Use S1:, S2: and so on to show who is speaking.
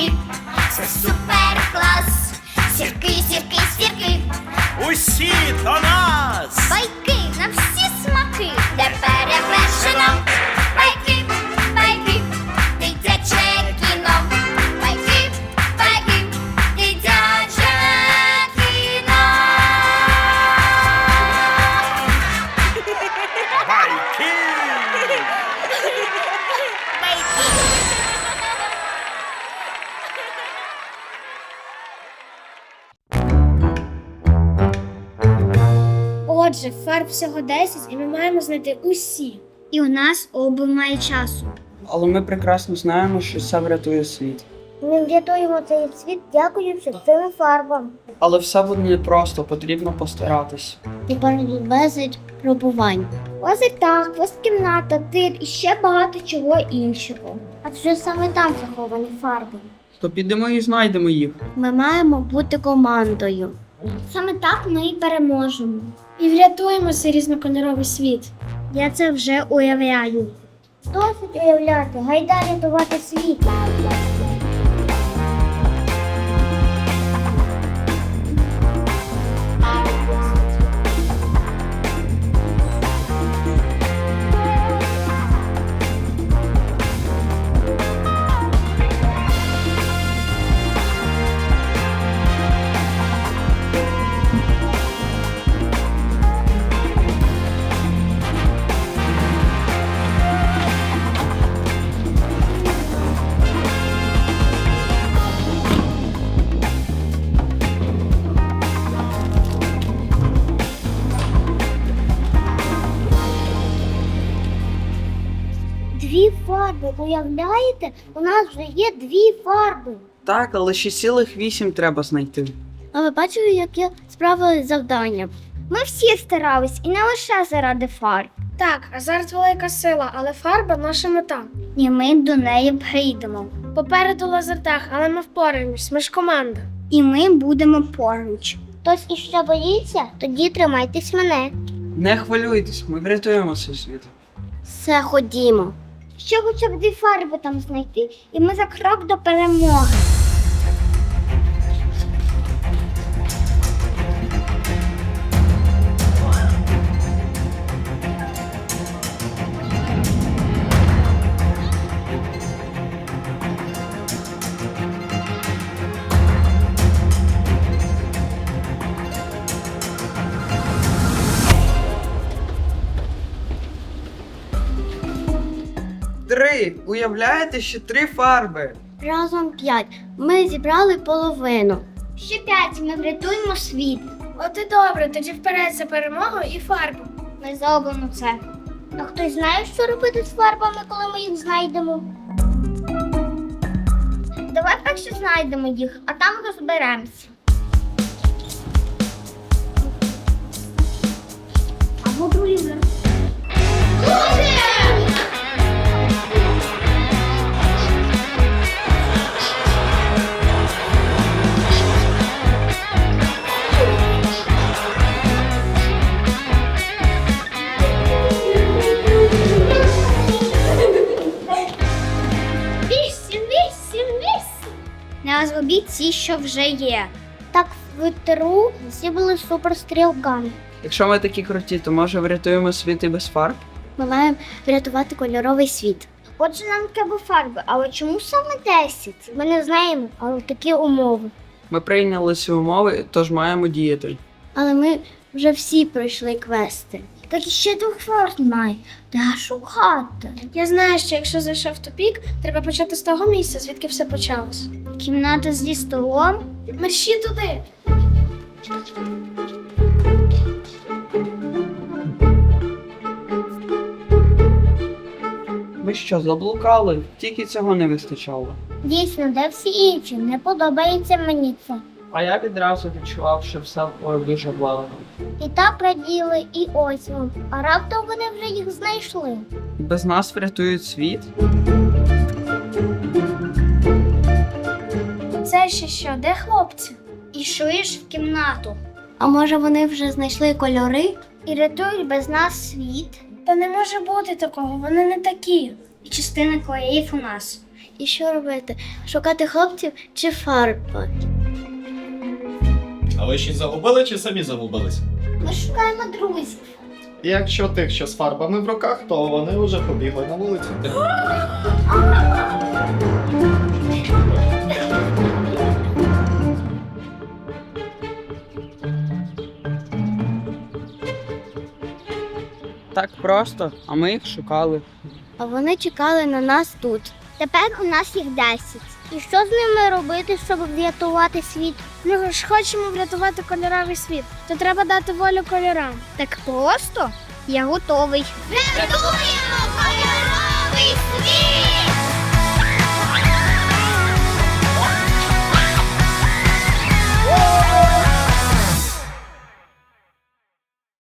S1: сірки, це супер клас. Сірки, сірки, сірки,
S2: Усі до нас!
S1: байки на всі смаки, де перевершено. Байки, байки, дитяче кіно. Байки, байки, дитяче кіно.
S2: Байки!
S3: Отже, фарб всього 10 і ми маємо знайти усі.
S1: І у нас обмаль часу.
S4: Але ми прекрасно знаємо, що це врятує світ.
S3: Ми врятуємо цей світ, дякуючи цим фарбам.
S4: Але все буде непросто, потрібно постаратись.
S3: Попереду безліч пробувань. Лазертаг, кімната, тир і ще багато чого іншого. Адже саме там заховані фарби.
S4: То підемо і знайдемо їх.
S3: Ми маємо бути командою. Саме так ми і переможемо. І врятуємо цей різнокольоровий світ. Я це вже уявляю. Досить уявляти, гайда рятувати світ. Дві фарби, уявляєте? У нас вже є дві фарби.
S4: Так, але ще цілих 8 треба знайти.
S3: А ви бачили, як я справилась з завданням? Ми всі старались, і не лише заради фарб.
S5: Так, азарт велика сила, але фарба наша мета.
S3: І ми до неї прийдемо.
S5: Попереду лазертаг, але ми впораємось, ми ж команда.
S3: І ми будемо поруч. Хтось іще боїться? Тоді тримайтесь мене.
S4: Не хвилюйтесь, ми врятуємо цей світ.
S3: Все, ходімо. Ще хоча б дві фарби там знайти, і ми за крок до перемоги.
S4: Три! Уявляєте, ще 3 фарби!
S3: Разом 5. Ми зібрали половину. Ще 5, ми врятуємо світ.
S5: От і добре, тоді вперед за перемогою і фарбу.
S3: Ми зробимо це. А хтось знає, що робити з фарбами, коли ми їх знайдемо? Давай перше знайдемо їх, а там розберемося. Або другий вже.
S1: Не зробіть ці, що вже є.
S3: Так в ТРУ всі були суперстрілками.
S4: Якщо ми такі круті, то може врятуємо світ і без фарб?
S3: Ми маємо врятувати кольоровий світ. Отже, нам треба фарби, але чому саме 10? Ми не знаємо, але такі умови.
S4: Ми прийняли ці умови, тож маємо діяти.
S3: Але ми вже всі пройшли квести. Так іще 2 фарб немає. Де шукати?
S5: Я знаю, що якщо зайшов в тупік, треба почати з того місця, звідки все почалось.
S3: Кімната зі столом.
S5: Мерщі туди.
S4: Ми що, заблукали? Тільки цього не вистачало.
S3: Дійсно, де всі інші? Не подобається мені це.
S4: А я відразу відчував, що все дуже благо.
S3: І так раділи, і ось вам. А раптом вони вже їх знайшли.
S4: І без нас врятують світ?
S5: Це ще що, де хлопці?
S1: Ішли ж в кімнату.
S3: А може вони вже знайшли кольори і рятують без нас світ?
S5: Та не може бути такого, вони не такі.
S1: І частина клеїв у нас.
S3: І що робити? Шукати хлопців чи фарби?
S6: А ви ще загубили чи самі загубились?
S3: Ми шукаємо друзів.
S6: І якщо тих, що з фарбами в руках, то вони вже побігли на вулицю.
S4: Так просто, а ми їх шукали.
S3: А вони чекали на нас тут. Тепер у нас їх 10. І що з ними робити, щоб врятувати світ?
S5: Ми ж хочемо врятувати кольоровий світ. То треба дати волю кольорам.
S3: Так просто? Я готовий. Рятуємо кольоровий світ!